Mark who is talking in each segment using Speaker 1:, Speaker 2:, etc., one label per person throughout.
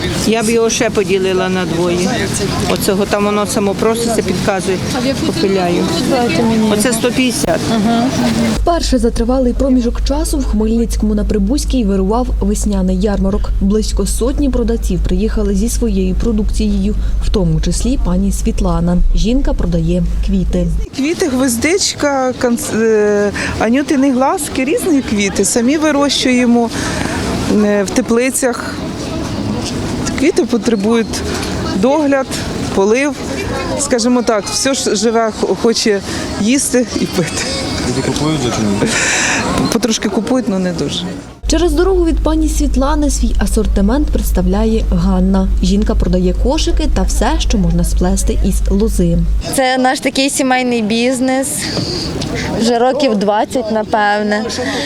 Speaker 1: Я б його ще поділила на двоє. Оцього там воно само проситься, підказує, попиляю. Оце 150.
Speaker 2: Вперше за тривалий проміжок часу в Хмельницькому на Прибузькій вирував весняний ярмарок. Близько сотні продавців приїхали зі своєю продукцією, в тому числі пані Світлана. Жінка продає квіти.
Speaker 3: Квіти, гвоздичка, анютини глазки, різні квіти. Самі вирощуємо в теплицях. Квіти потребують догляд, полив. Скажімо так, все ж живе хоче їсти і пити.
Speaker 4: Люди купують чи ні?
Speaker 3: Потрошки купують, але не дуже.
Speaker 2: Через дорогу від пані Світлани свій асортимент представляє Ганна. Жінка продає кошики та все, що можна сплести із лози.
Speaker 5: Це наш такий сімейний бізнес, вже років 20, напевне.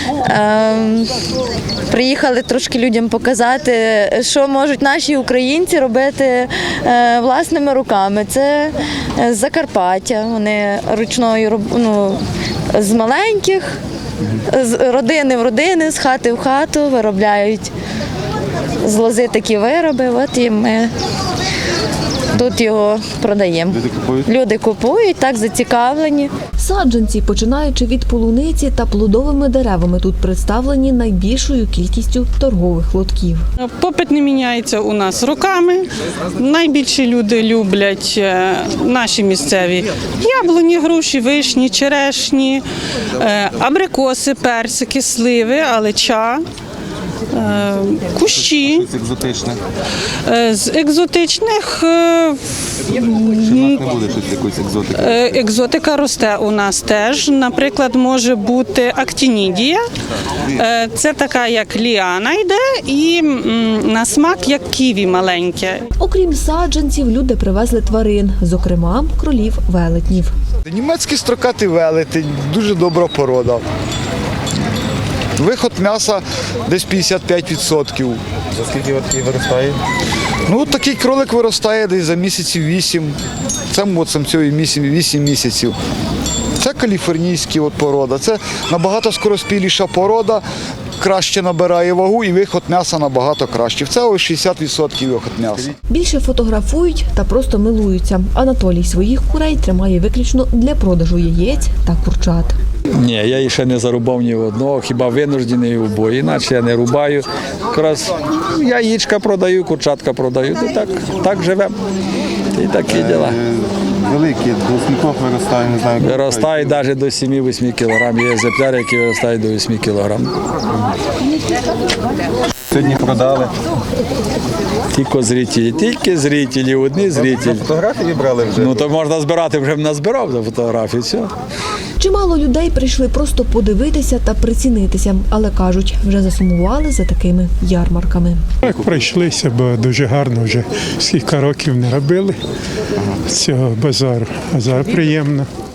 Speaker 5: Приїхали трошки людям показати, що можуть наші українці робити власними руками. Це з Закарпаття, вони ручною, з маленьких, з родини в родини, з хати в хату виробляють з лози такі вироби, от і ми тут його продаємо. Люди купують, так зацікавлені.
Speaker 2: Саджанці, починаючи від полуниці та плодовими деревами, тут представлені найбільшою кількістю торгових лотків.
Speaker 6: Попит не міняється у нас роками. Найбільше люди люблять наші місцеві яблуні, груші, вишні, черешні, абрикоси, персики, сливи, алеча. Кущі.
Speaker 4: З екзотичних?
Speaker 6: З екзотичних
Speaker 4: Чи в нас не буде щось якоїсь екзотики?
Speaker 6: екзотика росте у нас теж. Наприклад, може бути актінідія. Це така, як ліана йде, і на смак, як ківі маленьке.
Speaker 2: Окрім саджанців, люди привезли тварин, зокрема кролів-велетнів.
Speaker 7: Німецький строкатий велетень, дуже добра порода. Виход м'яса десь 55%.
Speaker 4: За скільки от виростає?
Speaker 7: Ну, такий кролик виростає десь за місяців 8. Це самцю 8 місяців. Це каліфорнійська порода. Це набагато скороспіліша порода, краще набирає вагу і виход м'яса набагато кращий. Це ось 60% виход м'яса.
Speaker 2: Більше фотографують та просто милуються. Анатолій своїх курей тримає виключно для продажу яєць та курчат.
Speaker 8: Ні, я її ще не зарубав ні в одного, хіба винуждений у бої, іначе я не рубаю. Якраз яєчка продаю, курчатка продаю, так живемо. І такі діла.
Speaker 4: Великі, до скількох виростає, не знаю.
Speaker 8: Виростають навіть до 7-8 кг. Є екземпляри, які виростають до 8 кг.
Speaker 4: Сьогодні продали.
Speaker 8: Тільки зрителі, одні зрителі.
Speaker 4: Фотографії брали вже?
Speaker 8: Ну то можна збирати, вже назбирав за фотографії, все.
Speaker 2: Чимало людей прийшли просто подивитися та прицінитися, але кажуть, вже засумували за такими ярмарками.
Speaker 9: Так, пройшлися, бо дуже гарно вже скільки років не робили цього базару. А зараз приємно.